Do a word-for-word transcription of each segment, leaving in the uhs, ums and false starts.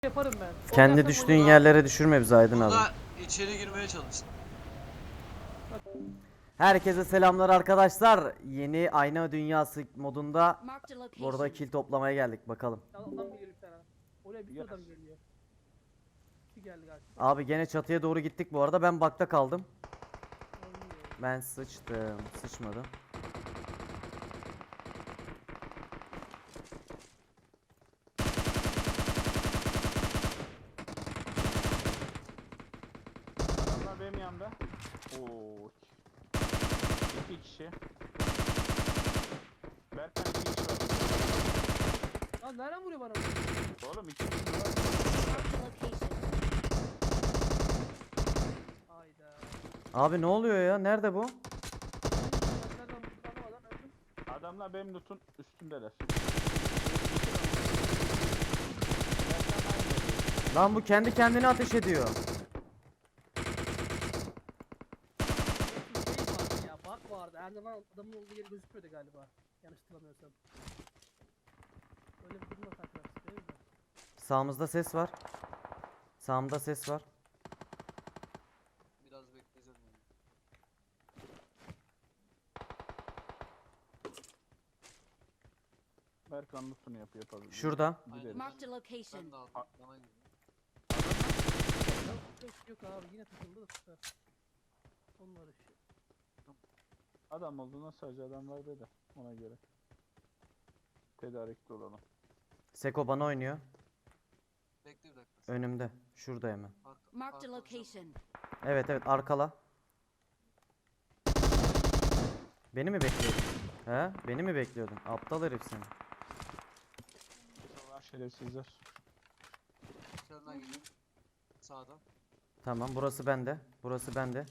yaparım ben. Kendi Olmazsa düştüğün bunu- yerlere düşürme bizi Aydın abi. Burada içeri girmeye çalıştım. Herkese selamlar arkadaşlar. Yeni Ayna Dünyası modunda Marked a location. burada kill toplamaya geldik bakalım. Ya adam geliyor bir tane. Oraya bir sürü adam geliyor. İki geldi galiba. Abi gene çatıya doğru gittik bu arada. Ben bakta kaldım. Oynuyor. Ben sıçtım. Sıçmadım. Adamlar benim yanımda. Oo. İki kişi. Berkan iki kişi var. Lan nereden vuruyor bana? Oğlum iki kişi var. Marked a location. Hayda. Abi ne oluyor ya? Nerede bu? Nereden vurdu anlamadan öldüm. Adamlar benim loot'un üstündeler. Lan bu kendi kendine ateş ediyor. Bir şey vardı ya, bak vardı. Her zaman adamın olduğu yeri gözükmüyordu galiba. Yanlış hatırlamıyorsam. Öyle bir durumda karşılaştık değil mi? Sağımızda ses var. Sağımda ses var. Biraz bekleyeceğim yani. Berkan loot'unu yapıyor yapabilir. Şurada. Gidelim. Marked a location. Ben de aldım. Bana gidiyor. Yok, yok abi yine takıldı da tutar. Onlar işi. Adam olduğuna sadece adam var dedi. Ona göre. Tedarikli olalım. Seko bana oynuyor. Bekle bir dakika. Önümde. Şurada hemen. Arka- Marked a arkamızda- location. Evet evet arkala. Beni mi bekliyordun? He? Beni mi bekliyordun? Aptal herif seni. Var şerefsizler. İçeriden geliyor. Sağdan. Tamam burası bende. Burası bende.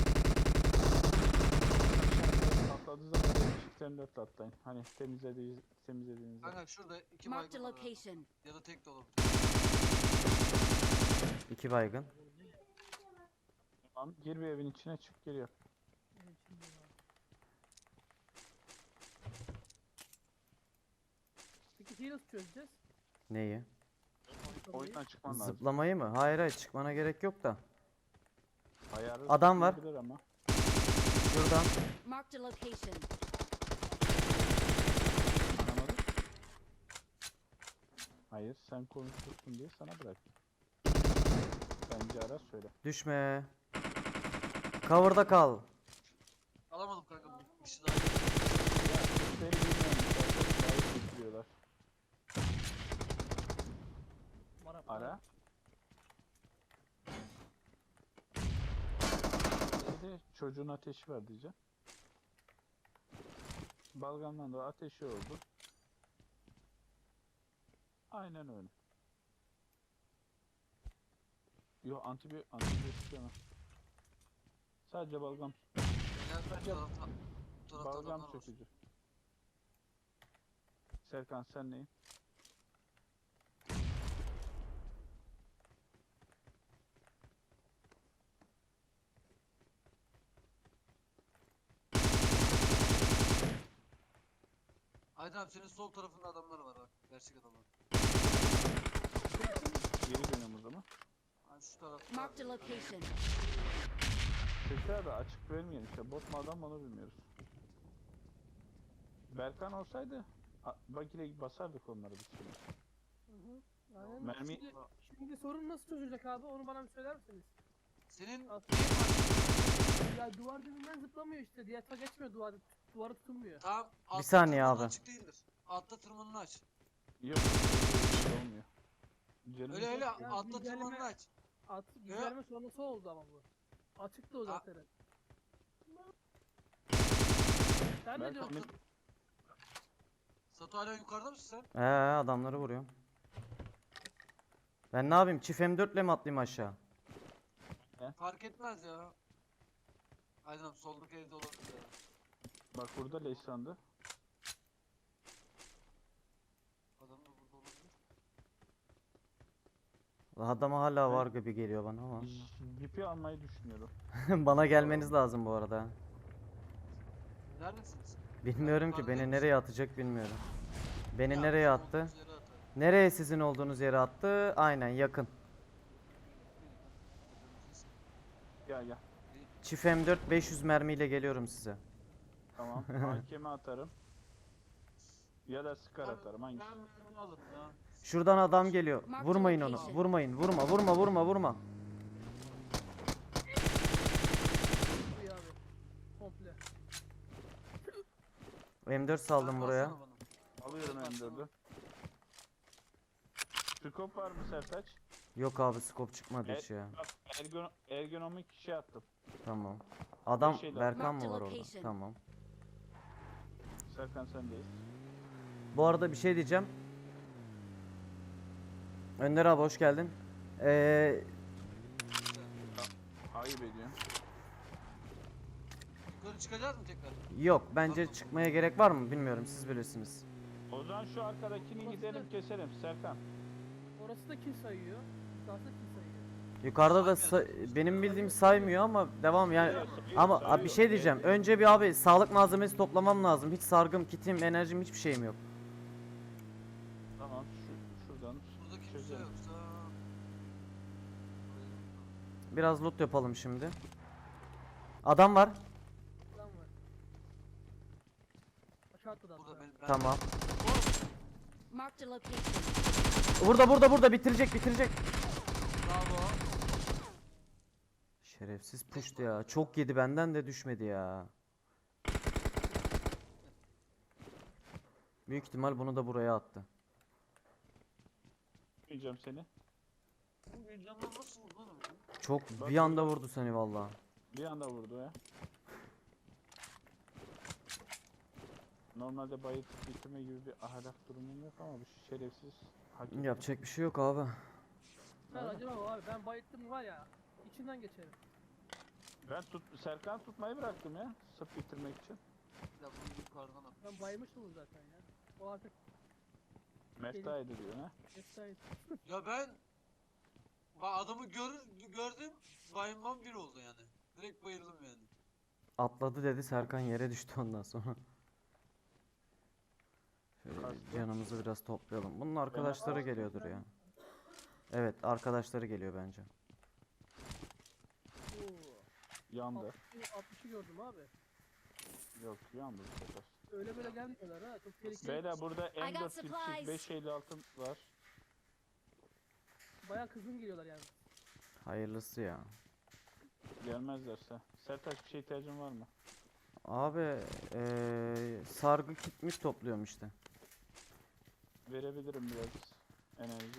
Atladığı zaman çift dört atlayın. Hani temizlediğiniz temizlediğinizde. Kanka şurada iki Marked a baygın var. ha. location. Ya da tek de olabilir. İki baygın. Tamam. Gir bir evin içine çık geliyor. Evet, şimdi var. Peki şeyi nasıl çözeceğiz? Neyi? Oyundan çıkman lazım. Zıplamayı mı? Hayır hayır çıkmana gerek yok da. Ayarı Adam var. zıplayabilir ama. Şuradan. Marked a location. Anlamadım. Hayır sen konuşursun diye sana bırak. Bence ara söyle. Düşme. Cover'da kal. Alamadım kanka. Bir kişi daha. Ya Türkleri bilmiyorum zaten. Daha iyi getiriyorlar. Bana Ara. Dedi çocuğun ateşi var diyeceğim. Balgamdan da ateşi oldu. Aynen öyle. Yo antibi antibiyotik yemem. Sadece balgam Gel bu tarafta. Bu tarafta balgam adamlar var. çekici. Serkan sen neyin? Aydın abi senin sol tarafında adamlar var bak. Gerçek adamlar. Geri dönüyorum o zaman. Hani şu tarafta. Marked a location. Tekrar da açık vermeyelim işte. Bot mu adam mı onu bilmiyoruz. Berkan olsaydı a- bak ile basardık onları biz şimdi. Hı hı. Aynen. Mermi- Şimdi, şimdi sorun nasıl çözülecek abi? Onu bana bir söyler misiniz? Senin Aslında ya duvar dibinden zıplamıyor işte. Diğer ta geçmiyor duvar. Duvarı tutunmuyor. tam altta saniye tırmanın abi. açık değildir. Altta tırmanını aç. Yok. Olmuyor. Canım Öyle öyle Ya altta güncelleme- tırmanını aç. At, güncelleme sonrası oldu ama bu. Açıktı o zaten. Sen ne Berkan diyorsun? benim- Satu hala yukarıda mısın sen? Ee adamları vuruyorum. Ben ne yapayım? Çift M dört ile mi atlayayım aşağı? Fark etmez ya. Aydın abi soldaki evde olabilir ya. Bak burada Leysan'dı. Adam da burada olabilir. Adama hala var gibi geliyor bana ama. Jipi almayı düşünüyorum. Bana gelmeniz lazım bu arada. Neredesiniz? Bilmiyorum ki beni nereye atacak bilmiyorum. Beni Ya, nereye bizim attı? olduğumuz yere atar. Nereye sizin olduğunuz yere attı? Aynen yakın. Gel gel. Çift M dört beş yüz mermiyle geliyorum size. Tamam. Hakeme atarım. Ya da sıkar atarım. Hangisi? Ben mermi alırım ya. Şuradan adam geliyor. Mark the Vurmayın onu. location. Vurmayın. Vurma vurma vurma vurma. Bu ya abi. Komple. M dört saldım Mermi buraya. alsana bana. Alıyorum M dördü. Scope var mı Sertaç? Yok abi scope çıkmadı hiç ya. Bak ergon ergonomik şey attım. Tamam. Adam şeyler. Berkan mı Marked var orada? location. Tamam. Serkan sendeyiz. Bu arada bir şey diyeceğim. Önder abi hoş geldin. Ee, Ayıp ediyorum. Yukarı çıkacağız mı tekrar? yok bence çıkmaya gerek var mı bilmiyorum siz bilirsiniz. O zaman şu arkadakini gidelim keselim Serkan. Orası da kill sayıyor. Yukarısı da kill sayıyor. Yukarıda da Saymıyor. sa- benim bildiğim saymıyor ama devam yani. Sayıyor, sayıyor, Ama sayıyor. abi bir şey diyeceğim. Önce bir abi sağlık malzemesi toplamam lazım. Hiç sargım, kitim, enerjim hiçbir şeyim yok. Tamam şu, şuradan. Burada kimse Çözelim. yoksa... Biraz loot yapalım şimdi. Adam var. Lan var. Aşağı atladı hatta. Burada benim... ben- Tamam. Marked a location. Burada burada burada bitirecek bitirecek. Bravo. Şerefsiz puştu ya. Çok yedi benden de düşmedi ya. Büyük ihtimal bunu da buraya attı. Yiyeceğim seni. Bu bir canlı nasıl vurdu oğlum ya? Çok Bak bir anda burada. vurdu seni vallahi. Bir anda vurdu ya. Normalde bayık bitirme gibi bir ahlak durumum yok ama bu şerefsiz hak ediyor. Yapacak bir şey yok abi. Ben acaba abi ben bayıttım var ya. İçinden geçerim. Ben tut Serkan tutmayı bıraktım ya. Sırf bitirmek için. Ya bunu yukarıdan at. Ben baymıştım zaten ya. O artık Meftaydı diyor ha. efsane. Ya ben... Bak adamı gör, gördüm, bayılmam bir oldu yani. Direkt bayıldım yani. Atladı dedi Serkan yere düştü ondan sonra. Şöyle bir Kastı. canımızı biraz toplayalım. Bunun arkadaşları geliyordur ya. Evet arkadaşları geliyor bence. Oo. Yandı. altmışı altmışı gördüm abi. Yok yandı bu sefer. Öyle böyle gelmiyorlar ha. Çok tehlikeli. Beyler burada I M got dört kilçik supplies. beş elli altı var. Bayağı kızgın geliyorlar yani. Hayırlısı ya. Gelmezlerse. Sertaç bir şey ihtiyacın var mı? Abi eee sargı kitmiş topluyorum işte. Verebilirim biraz enerji.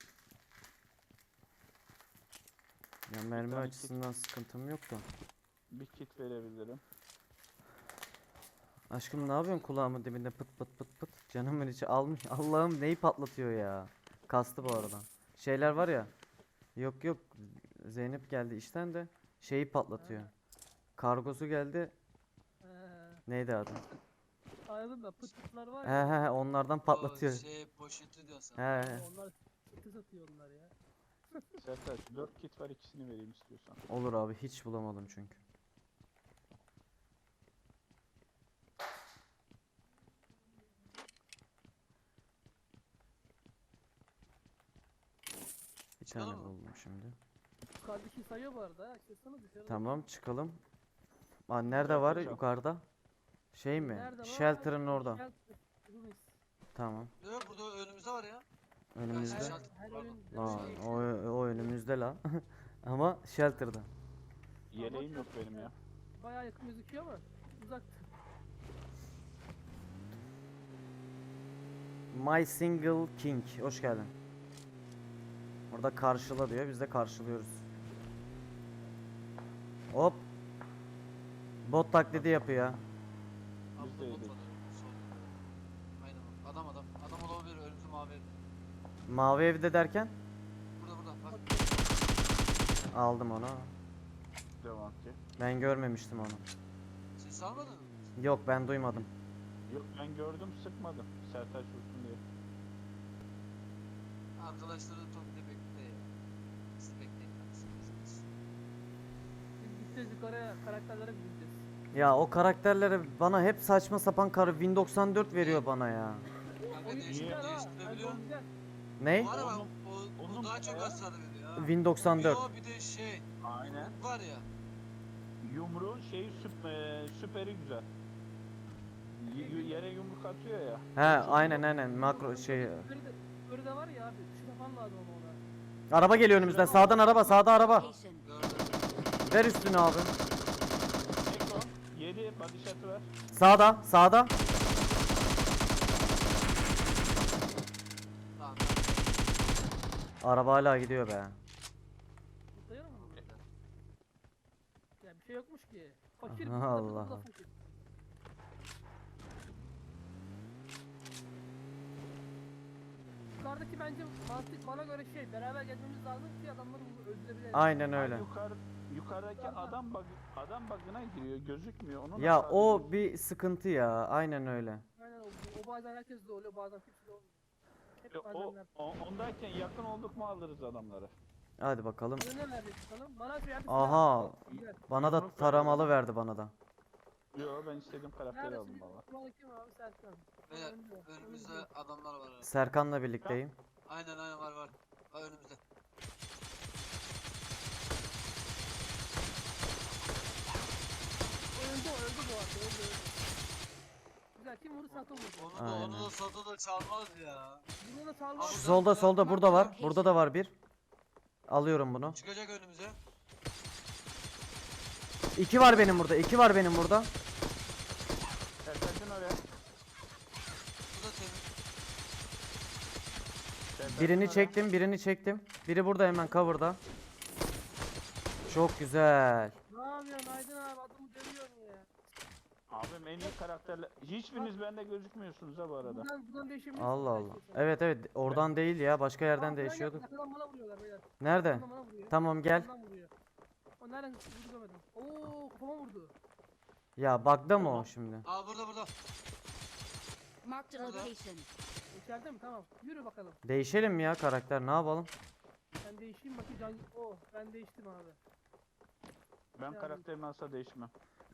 Ya mermi tane kit. açısından sıkıntım yok da. Bir kit verebilirim. Aşkım ne yapıyorsun kulağımın dibinde pıt pıt pıt pıt. Canımın içi almış. Allah'ım neyi patlatıyor ya. Kastı bu arada. Şeyler var ya. Yok yok. Zeynep geldi işten de şeyi patlatıyor. Kargosu geldi. Ee, Neydi adı? anladın da pıt pıtlar var He ya. he he onlardan patlatıyor. O şey poşeti diyorsun. He he. Onlar pıtı satıyor onlar ya. Sertaç dört kit var ikisini vereyim istiyorsan. Olur abi hiç bulamadım çünkü. Bir tane Çıkalım mı? buldum şimdi. Yukarıdaki sayıyor bu arada. ha. Çıksana dışarı. Tamam çıkalım. Aa nerede var Yapacağım. yukarıda? Şey mi? Nerede var? Shelter'ın orada. Shelter. Ruins. Tamam. Yok burada önümüzde var ya. Önümüzde. Her, Shelter, her pardon. oyun Lan şey- o, o önümüzde la. Ama shelter'da. Yeleğim yok benim ya. Bayağı yakın gözüküyor ama uzak. My Single King. Hoş geldin. Orada karşıla diyor. Biz de karşılıyoruz. Hop. Bot taklidi yapıyor. Biz Altta de bot yedik. var. Sol. Aynen o. Adam adam. Adam olabilir önümüzde mavi evde. Mavi evde derken Burada burada bak. aldım onu. Devam ki. Ben görmemiştim onu. Ses almadın mı? Yok ben duymadım. Yok ben gördüm sıkmadım. Sertaç vursun diye. Arkadaşları topla bekle ya. Siz bekleyin kardeşim. Biz gideceğiz yukarıya karakterlere gideceğiz. Ya o karakterlere bana hep saçma sapan kar Win doksan dört veriyor bana ya. Kanka Oyun değiştir, güzel ha. değiştirebiliyor Oyun musun? güzel. Ney? Var ama Onun- o, o onun daha çok bayağı- hasar veriyor ha. Win doksan Bir dört. o bir de şey. Aynen. Var ya. Yumruğun şeyi süp, e, süperi güzel. Y- y- yere yumruk atıyor ya. He aynen aynen makro şey. Böyle de, böyle de var ya abi. Şu falan lazım ama ona. Araba geliyor önümüzden. Sağdan araba, sağda araba. Location. Gördüm. Ver üstünü abi. Eko. yedi body shot'ı var. Sağda, sağda. Tamam. Araba hala gidiyor be. Zıplayalım mı? Ya bir şey yokmuş ki. Fakir. Allah bu da- bu da Allah. fakir. Yukarıdaki bence mantık bana göre şey, beraber gezmemiz lazım ki adamları öldürebilelim. Aynen Ay, öyle. Yukarı, yukarıdaki adam bug, adam bug'ına giriyor. Gözükmüyor. Onun Ya hasarı o gözüküyor. bir sıkıntı ya. Aynen öyle. Aynen o, o bazen herkes de oluyor, bazen kimse de olmuyor. Hep E, o, bazenler. o, ondayken yakın olduk mu alırız adamları. Hadi bakalım. Ne verdik bakalım? Bana bir yerde Aha. Güzel. Bana da taramalı verdi bana da. Yo ben istediğim karakteri Neredesin? aldım valla. Kumanda kim abi? Serkan. Beyler Önümde, önümüzde önümde. adamlar var. ha. Serkan'la birlikteyim. Aynen aynen var var. Ha önümüzde. Öldü o, öldü bu arada, öldü öldü. Güzel, kim vurdu? Sato vurdu. Onu da onu Aynen. da Sato da çalmaz ya. Bunu da salmaz. Şu solda solda burada var. Burada da var bir. Alıyorum bunu. Çıkacak önümüze. İki var benim burada. iki var benim burada. Sertaç'ın oraya. Bu da temiz. Sertaç'ın Birini oraya. çektim, birini çektim. Biri burada hemen cover'da. Çok güzel. Ne yapıyorsun Aydın abi? Adamı dövüyorsun ya. Abim en iyi karakterler. Hiçbiriniz bende gözükmüyorsunuz ha bu arada. Buradan, buradan değişebilirsin. Allah Allah. belki. Evet evet oradan değil ya. Başka Aa, yerden buradan değişiyorduk. gel, arkadan bana vuruyorlar beyler. Nerede? Arkadan bana vuruyor. Tamam gel. Arkadan vuruyor. O nereden vurdu görmedim. Oo kafama vurdu. Ya bug'da mı o şimdi? Aa burada burada. Marked a Burada. location. İçeride mi? Tamam. Yürü bakalım. Değişelim mi ya karakter? Ne yapalım? Ben değişeyim bakayım. Can... Oh ben değiştim abi. Ben Yani- karakterimi asla değişmem.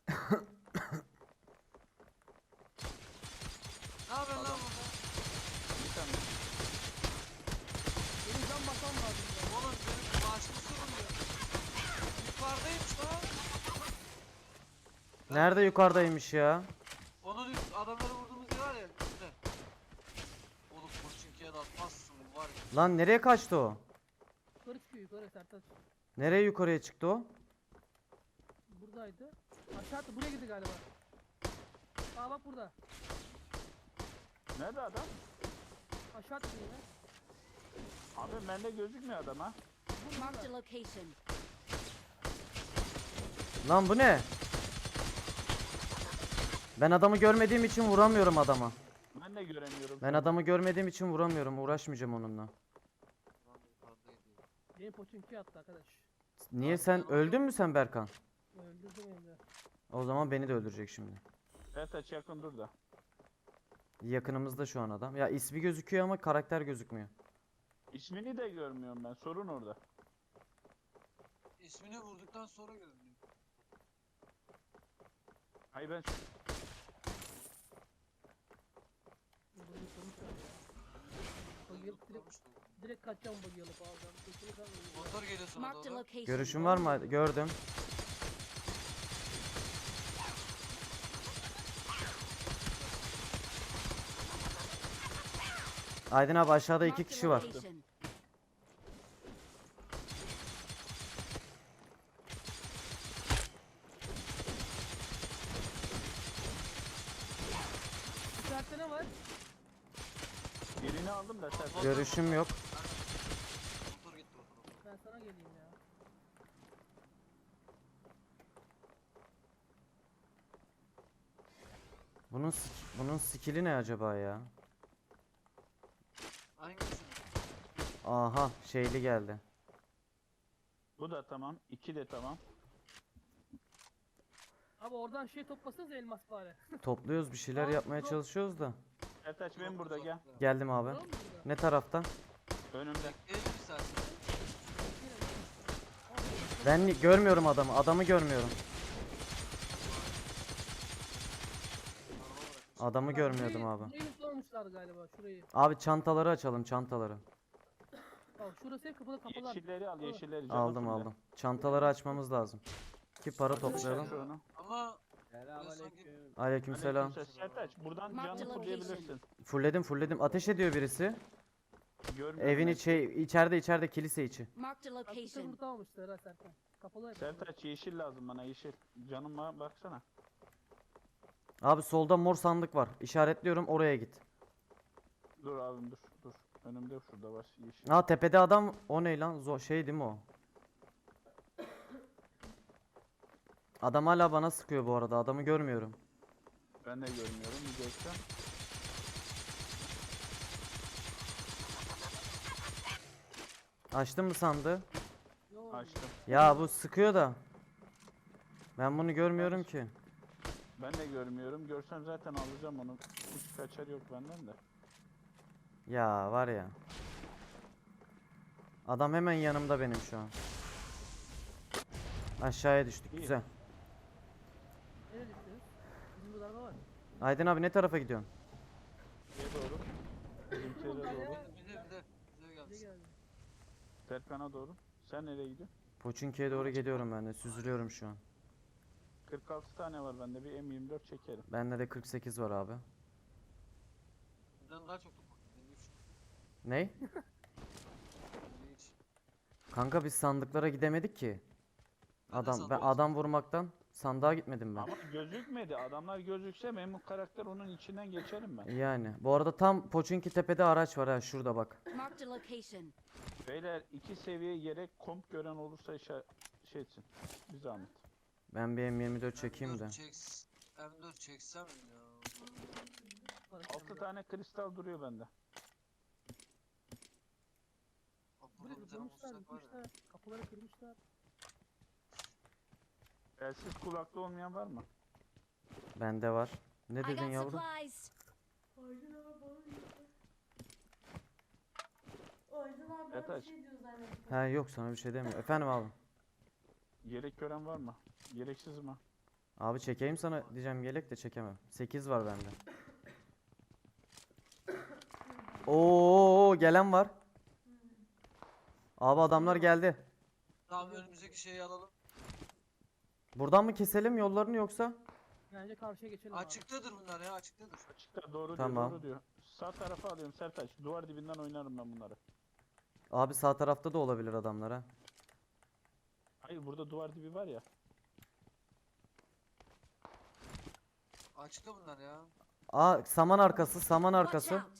Ne yapıyorsun lan burada? Bir tane. Benim can basmam lazım ya. Oğlum benim maaşım soruluyor. Yukarıdaymış lan. Nerede yukarıdaymış ya? Onun üst adamları vurduğumuz yer var ya üstte. Oğlum Koçinki'ye de atmazsın var ya. Lan nereye kaçtı o? Yukarı çıkıyor yukarı Sertaç. Nereye yukarıya çıktı o? Buradaydı. Aşağı attı. Buraya gitti galiba. Aa bak burada. Nerede adam? Aşağı attı yine. Abi bende gözükmüyor adam ha. Marked a location. Lan bu ne? Ben adamı görmediğim için vuramıyorum adama. Ben de göremiyorum. Ben adamı görmediğim için vuramıyorum. Uğraşmayacağım onunla. Lan yukarıdaydı. Benim poçinki attı arkadaş. Niye sen öldün mü sen Berkan? Öldürdüm hem de. O zaman beni de öldürecek şimdi. Sertaç yakın dur da. Yakınımızda şu an adam. Ya ismi gözüküyor ama karakter gözükmüyor. İsmini de görmüyorum ben. Sorun orada. İsmini vurduktan sonra görünüyor. Hayır ben Bunu sonuç var ya. Bagı alıp direkt, direkt kaçacağım bagı alıp alacağım. Kesinlikle kalmayacağım. Motor geliyor sana Marked a doğru. location. Görüşün var mı? Gördüm. Aydın abi aşağıda iki Marked a kişi var. location. İçeride ne var? birini aldım da Sertaç. Görüşüm yok. Motor gitti motor. Ben sana geleyim ya. Bunun sik- bunun skill'i ne acaba ya? Hangisini? Aha şeyli geldi. Bu da tamam. iki de tamam. Abi oradan şey toplasanız elmas bari. Topluyoruz bir şeyler Aa, yapmaya yok. çalışıyoruz da. Sertaç benim burada gel. Geldim abi. Var mı burada? Ne taraftan? Önümde. Bekleyelim bir saat. Ben ni- görmüyorum adamı. Adamı görmüyorum. Araba bırakmış. Adamı Bak, görmüyordum burayı- abi. Burayı sormuşlar galiba şurayı. Abi çantaları açalım çantaları. Tamam şurası hep kapalı kapalı. Yeşilleri al, Al. yeşilleri. canı Aldım fulle. aldım. Çantaları açmamız lazım. Ki para toplayalım. Şu onu. Ama Selamünaleyküm. Aleykümselam. Aleykümselam. Sertaç buradan Mark canlı the fulleyebilirsin. Fulledim fulledim. Ateş ediyor birisi. Görmüyorum Evin ben. içi, içeride içeride kilise içi. Marked a Bak bir location. burada almışlar ha Serkan. Kapalı hep. Sertaç yeşil lazım bana, yeşil. Canıma baksana. Abi solda mor sandık var. İşaretliyorum, oraya git. Dur abim dur dur. Önümde şurada var yeşil. Ha tepede adam, o ne lan? Zo şey değil mi o? Adam hala bana sıkıyor bu arada. Adamı görmüyorum. Ben de görmüyorum. Bir görsem. Açtın mı sandığı? Yo, Açtım. Ya bu sıkıyor da. Ben bunu görmüyorum ki. Ben de görmüyorum. Görsem zaten alacağım onu. Hiç kaçar yok benden de. Ya var ya. Adam hemen yanımda benim şu an. Aşağıya düştük. İyi. Güzel. nereye düştünüz? Bizim burada araba var. Aydın abi ne tarafa gidiyorsun? Şeye doğru. Bizimkilere doğru. bir de bir de bize Bize gelsin. geldi. Serkan'a doğru. Sen nereye gidiyorsun? Poçinki'ye doğru geliyorum ben de. Süzülüyorum şu an. kırk altı tane var bende. Bir M yirmi dört çekerim. Bende de kırk sekiz var abi. Bizden daha çok top var. Benim üç. Ney? Benim hiç. Kanka biz sandıklara gidemedik ki. Ben de Adam ben sandığa adam vurmaktan sandığa gitmedim ben. Ama gözükmedi. Adamlar gözükse benim bu karakter onun içinden geçerim ben. Yani bu arada tam Poçinki tepede araç var ha şurada bak. Marked a location. Beyler iki seviye yere komp gören olursa işe, şey etsin. Bir zahmet. Ben bir M yirmi dört çekeyim de. M dört çeks- M dört çeksem ya. Var, altı burada. tane kristal duruyor bende. Bak Buraya burada bir tane vurmuşlar, bulsak var ya. gitmişler. Kapıları kırmışlar. Elsiz kulaklı olmayan var mı? Bende var. Ne I dedin got yavrum? supplies. Aydın abi bana diyor. Aydın abi bana Yataş. bir şey diyor zannettim. He yok sana bir şey demiyor. Efendim abi. Yelek gören var mı? Gereksiz mi? Abi çekeyim sana diyeceğim yelek de çekemem. sekiz var bende. Oo gelen var. Abi adamlar geldi. Tamam önümüzdeki şeyi alalım. Buradan mı keselim yollarını yoksa? Bence karşıya geçelim abi. Açıktadır bunlar ya açıktadır. Açıkta doğru Tamam. diyor, doğru diyor. Sağ tarafa alıyorum Sertaç. Duvar dibinden oynarım ben bunları. Abi sağ tarafta da olabilir adamlar ha. Hayır burada duvar dibi var ya. Açıkta bunlar ya. Aa saman arkası saman Watch arkası. out.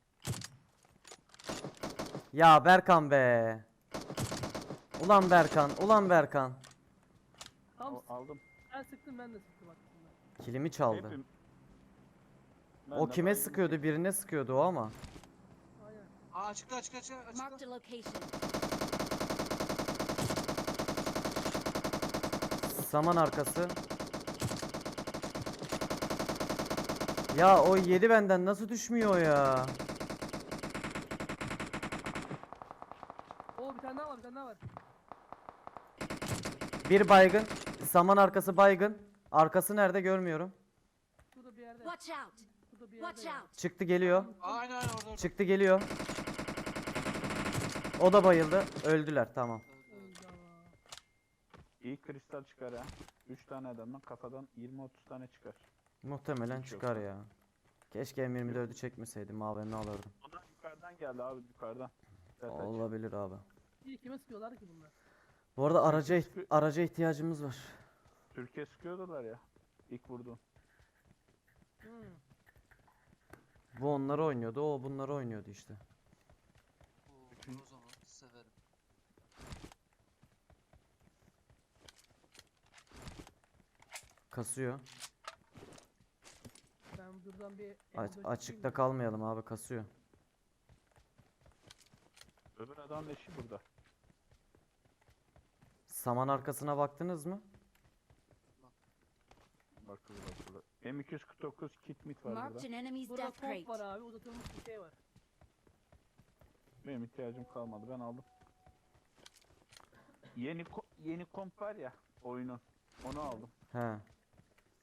Ya Berkan be. Ulan Berkan, ulan Berkan. Tam O- aldım. sen sıktın ben de sıktım aslında. Kilimi çaldı. Hepim. Ben O de kime baygın sıkıyordu? çektim. Birine sıkıyordu o ama. Aynen. Aa açıkta açıkta açıkta açıkta. Marked a location. Saman arkası. Ya o yedi benden nasıl düşmüyor ya? Oo bir tane daha var bir tane daha var. Bir baygın. Saman arkası baygın. Arkası nerede görmüyorum. Şurada bir yerde. Watch out. Şurada bir yerde. Watch ya. out. Çıktı geliyor. Aa, aynen aynen orada orada. Çıktı geliyor. O da bayıldı. Öldüler tamam. Öldü, öldü. Öldü ama. İyi kristal çıkar ha. üç tane adamdan kafadan yirmi otuz tane çıkar. Muhtemelen Hiç çıkar yoksa. ya. Keşke M yirmi dördü çekmeseydim abi ne alırdım. Onlar yukarıdan geldi abi yukarıdan. Sertaç. Olabilir abi. İyi kime sıkıyorlar ki bunlar? Bu arada araca Türkiye iht- araca ihtiyacımız var. Türkiye sıkıyordular ya. İlk vurduğum. Hmm. Bu onları oynuyordu, o bunları oynuyordu işte. Oo, o zaman severim. Kasıyor. Ben buradan bir Aç- M dört açıkta çekeyim de. kalmayalım abi kasıyor. Öbür adam leşi burada. Saman arkasına baktınız mı? Bakılı bakılı. M iki yüz kırk dokuz kit mit var Marked burada. an enemy's Burada death komp var crate. abi uzatılmış bir şey var. Benim ihtiyacım kalmadı ben aldım. Yeni ko- yeni komp var ya oyunun. Onu aldım. He.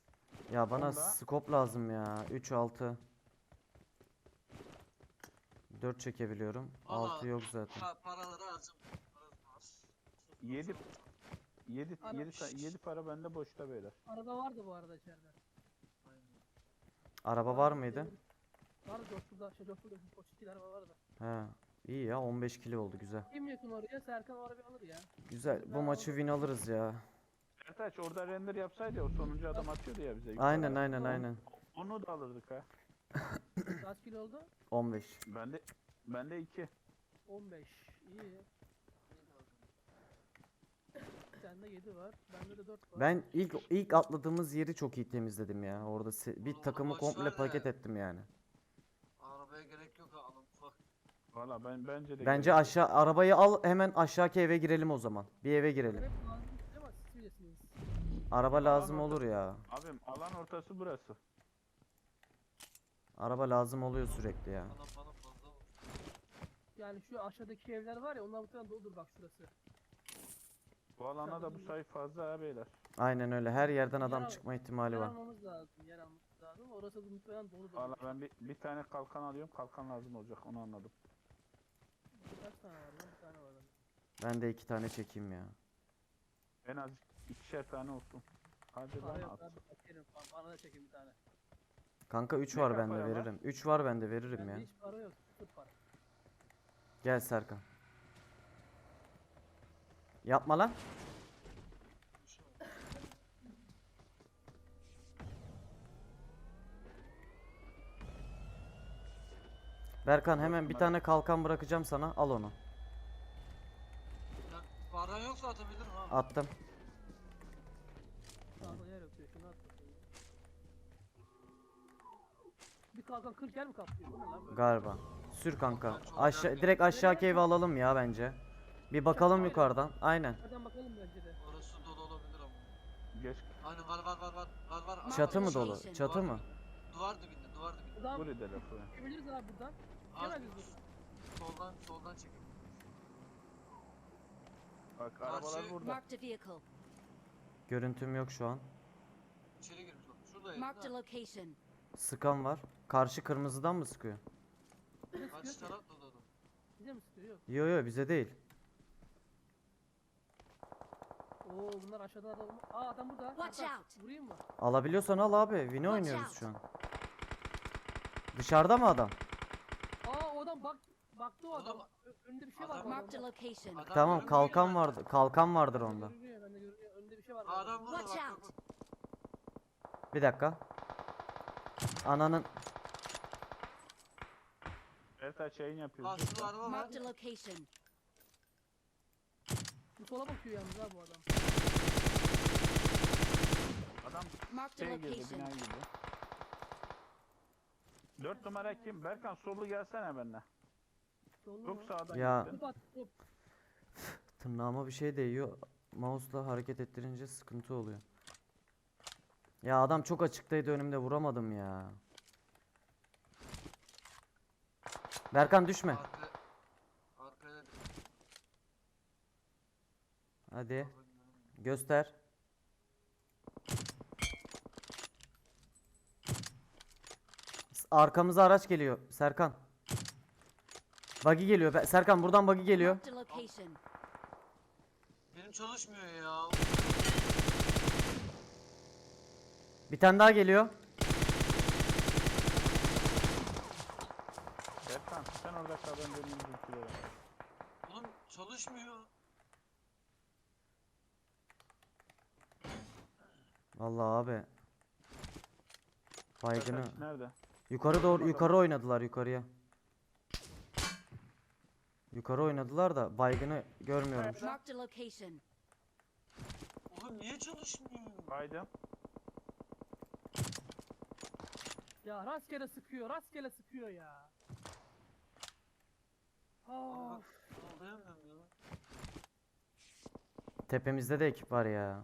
Ya bana Onda- scope lazım ya. üç altı. dört çekebiliyorum. Valla altı yok zaten. pa- paraları harcamıyorum. Param var. Yedi yedi Ana- yedi ta- yedi para bende boşta beyler. Araba vardı bu arada içeride. Aynen. Araba var mıydı? Vardı Coşkul'da. Şey Coşkul'da. Koçikil araba vardı. He. İyi ya, on beş kilo oldu, güzel. Kim yakın oraya? Serkan o arabayı alır ya. Güzel. Bu Ben maçı aldım. win alırız ya. Ertaç orada render yapsaydı ya, o sonuncu adam atıyordu ya bize. yukarı. Aynen aynen aynen. Onu da alırdık ha. Kaç kilo oldu? on beş. Bende bende iki. on beş. İyi. Sende yedi var. Bende de dört var. Ben ilk ilk atladığımız yeri çok iyi temizledim ya. Orada se- bir Oğlum, takımı boş komple ver de. paket ettim yani. Arabaya gerek yok ha, alın ufak. Valla ben bence de Bence gerek yok. aşağı arabayı al, hemen aşağıki eve girelim o zaman. Bir eve girelim. Hep lazım değil ama siz bilirsiniz. Araba lazım orada- olur ya. Abim alan ortası burası. Araba lazım oluyor sürekli ya. Bana bana fazla vur. Yani şu aşağıdaki evler var ya onlar muhtemelen doludur bak şurası. Bu alana da bu sayı fazla ha beyler. Aynen öyle. Her yerden adam Yer- çıkma ihtimali Yer var. almamız lazım. Yer almamız lazım. Orası da muhtemelen doludur. Valla ben bir, bir tane kalkan alıyorum. Kalkan lazım olacak, onu anladım. Kaç tane var lan? Bir tane var. lan. Ben de iki tane çekeyim ya. En az ikişer tane olsun. Hadi Para lan yok at. abi. Çekerim. Bana da çekin bir tane. Kanka üç Ne var kadar bende, para var? veririm. üç var bende, veririm Bende ya. hiç para yok. Sıfır para. Gel Serkan. Yapma lan. Berkan hemen bir tane kalkan bırakacağım sana. Al onu. Ya, paran yoksa atabilirim ha. Attım. Sağda yer yok diyor. Şunu at bakayım. Bir kalkan kırk yer mi kaplıyor? Bu ne lan böyle? Galiba. Sür kanka. Ben çok Aşağı yakın. direkt aşağıki evi alalım ya bence. Bir bakalım yukarıdan. Aynen. Hadi bakalım bence de. Orası dolu olabilir ama. Geç. Aynen var var var var var var. Aa, Çatı mı var. dolu? Location. Çatı mı? Duvar dibinde, duvar dibinde. Buradan Buraya da lafı. çıkabiliriz abi buradan. Az Hemen bir hızlı. soldan soldan çekin. Bak Karşı- arabalar burada. Marked a vehicle. Görüntüm yok şu an. İçeri girmiş oldu. Şuradaydı Marked a da. location. Sıkan var. Karşı kırmızıdan mı sıkıyor? Karşı taraf da dolu. Bize mi sıkıyor? Yok. Yo yo, bize değil. Oo bunlar aşağıda adam. Aa adam burada. Watch Hatta out. Vurayım mı? Alabiliyorsan al abi. Win'i Watch oynuyoruz out. şu an. Dışarıda mı adam? Aa o adam bak baktı o adam. Adam- Ö- Önünde bir şey var. Adam- bu Marked a adamda. location. Adam Tamam, görünmüyor kalkan ki vardı. Kalkan vardır Bende onda. görünüyor, bende görünüyor. Önünde bir şey var. bu bende. adamın. Adam burada Watch bak bak. out. bak. Bir dakika. Ananın Ertaç yayın yapıyoruz. Aa şurada araba var. Marked a location. Bu sola bakıyor yalnız ha bu adam. Adam Marked a şey girdi, location. bina girdi. Dört numara kim? Berkan sollu gelsene benimle. Sollu Çok mu? sağdan Ya. gittin. Top at top. tırnağıma bir şey değiyor. Mouse'la hareket ettirince sıkıntı oluyor. Ya adam çok açıktaydı, önümde vuramadım ya. Berkan düşme. Arka, arkaya da Hadi göster. S- Arkamıza araç geliyor Serkan. Buggy geliyor. Be- Serkan buradan buggy geliyor. Marked a location. Benim çalışmıyor ya. Bir tane daha geliyor. Berkan sen orada kal, ben döneyim bizimkilere. Oğlum çalışmıyor. Vallahi abi. Baygını. Ertaç nerede? Yukarı doğru, yukarı oynadılar yukarıya. Yukarı oynadılar da baygını görmüyorum. şu an. Marked a location. Oğlum niye çalışmıyor? Baydım. Ya rastgele sıkıyor, rastgele sıkıyor ya. Abi Aa, bak anlayamıyorum ya. Tepemizde de ekip var ya.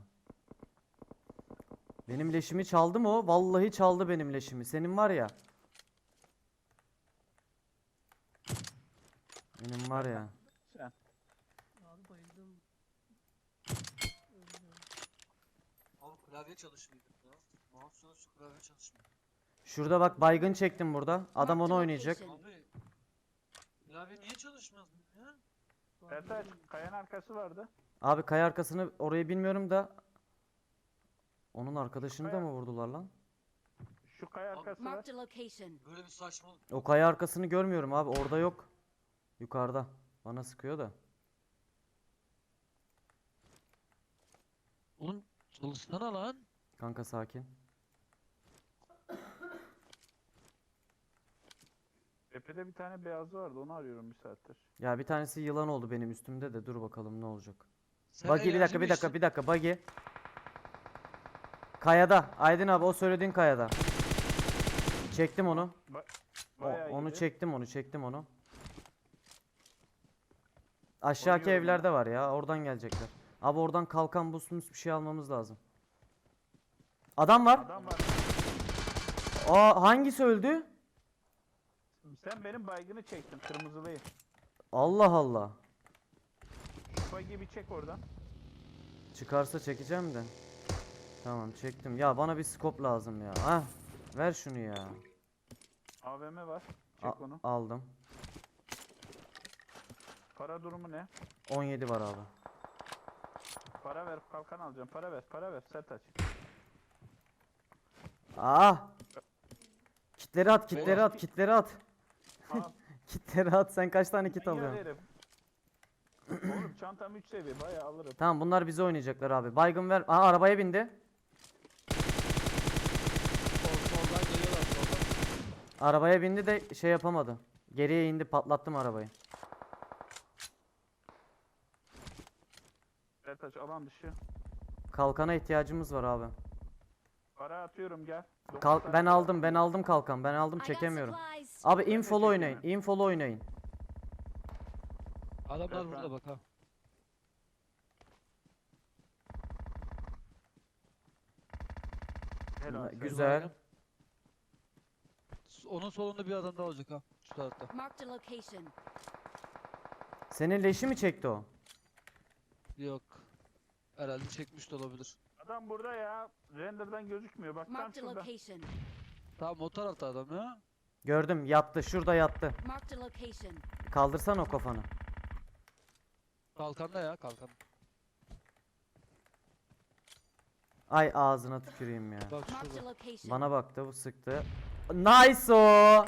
Benim leşimi çaldı mı o? Vallahi çaldı benim leşimi. Senin var ya. Benim var ya. Sen. abi bayıldım. Öldüm. Abi klavye çalışmıyor ya. Mouse çalışıyor, klavye çalışmıyor. Şurada bak, baygın çektim burada. Adam Marked onu a oynayacak. location. Abi Klavye niye çalışmaz ya? Sertaç kayanın arkası vardı. Abi kaya arkasını orayı bilmiyorum da onun arkadaşını da Kaya- mı vurdular lan? Şu kaya arkası var. Marked a location. Böyle bir saçmalık. O kaya arkasını görmüyorum abi. Orada yok. Yukarıda. Bana sıkıyor da. Oğlum çalışsana lan. Kanka sakin. Tepede bir tane beyazı vardı onu arıyorum bir saattir. Ya bir tanesi yılan oldu benim üstümde de dur bakalım ne olacak. Sen Buggy bir enerji dakika mi bir dakika içtin? bir dakika Buggy. Kayada. Aydın abi o söylediğin kayada. Çektim onu. Ba O- bayağı onu iyiydi. çektim onu çektim onu. Aşağıki Koruyorum evlerde var ya oradan gelecekler. Abi oradan kalkan boost'umuz bir şey almamız lazım. Adam var. Adam var. Aa hangisi öldü? Sen benim baygını çektin kırmızılıyı. Allah Allah. Şu buggy'i bir çek oradan. Çıkarsa çekeceğim de. Tamam çektim. Ya bana bir scope lazım ya. Ah ver şunu ya. A V M var. A- Çek onu. aldım. Para durumu ne? on yedi var abi. Para ver kalkan alacağım. Para ver para ver Sertaç. Ah! Kitleri at, kitleri Beyler. at, kitleri at. Al. Kitleri at. Sen kaç tane kit Manyak alıyorsun? herif. Oğlum çantam üç seviye bayağı alırım. Tamam bunlar bize oynayacaklar abi. Baygın ver. Aa arabaya bindi. Sol, soldan geliyorlar soldan. Arabaya bindi de şey yapamadı. Geriye indi patlattım arabayı. Sertaç alan dışı. Kalkana ihtiyacımız var abi. Para atıyorum gel. Dokuz Kalk tane ben para aldım attım. ben aldım kalkan. Ben aldım I got çekemiyorum. supplies. Abi Ben de infolu oynayın. çekemiyorum. Infolu oynayın. Adamlar Evet, burada ben- bak ha. Helal. Na- Sertaç. Güzel. S- Onun solunda bir adam daha olacak ha. Şu tarafta. Marked a location. Senin leşi mi çekti o? Yok. Herhalde çekmiş de olabilir. Adam burada ya. Render'dan gözükmüyor. Bak tam Marked a şurada. location. Tamam o tarafta adam ya. Gördüm yattı şurada yattı. Marked a location. Kaldırsan o kafanı. Kalkanda ya kalkan. Ay ağzına tüküreyim ya. Bak Marked a şurada. location. Bana baktı bu sıktı. Nice o.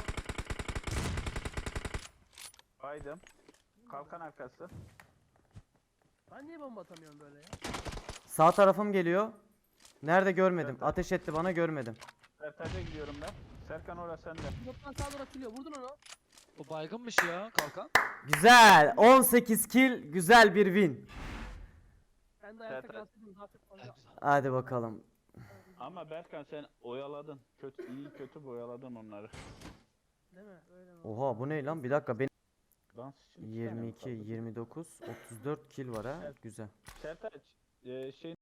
Baydım. Kalkan arkası. Ben niye bomba atamıyorum böyle ya? Sağ tarafım geliyor. Nerede görmedim. Evet. Ateş etti bana görmedim. Sertaç'a gidiyorum ben. Serkan orası sende. Pilottan sağa doğru açılıyor. Vurdun onu. O baygınmış ya kalkan. Güzel. on sekiz kill. Güzel bir win. Ben de ayakta Evet, evet. kalsaydım daha çok fazla. Hadi bakalım. Ama Berkan sen oyaladın. Kötü iyi kötü boyaladın onları. Değil mi? Öyle mi? Oha bu ne lan? Bir dakika benim Dans için iki tane mi yirmi iki, kaldı? yirmi dokuz, otuz dört kill var ha. Evet. Güzel. Sertaç e, şey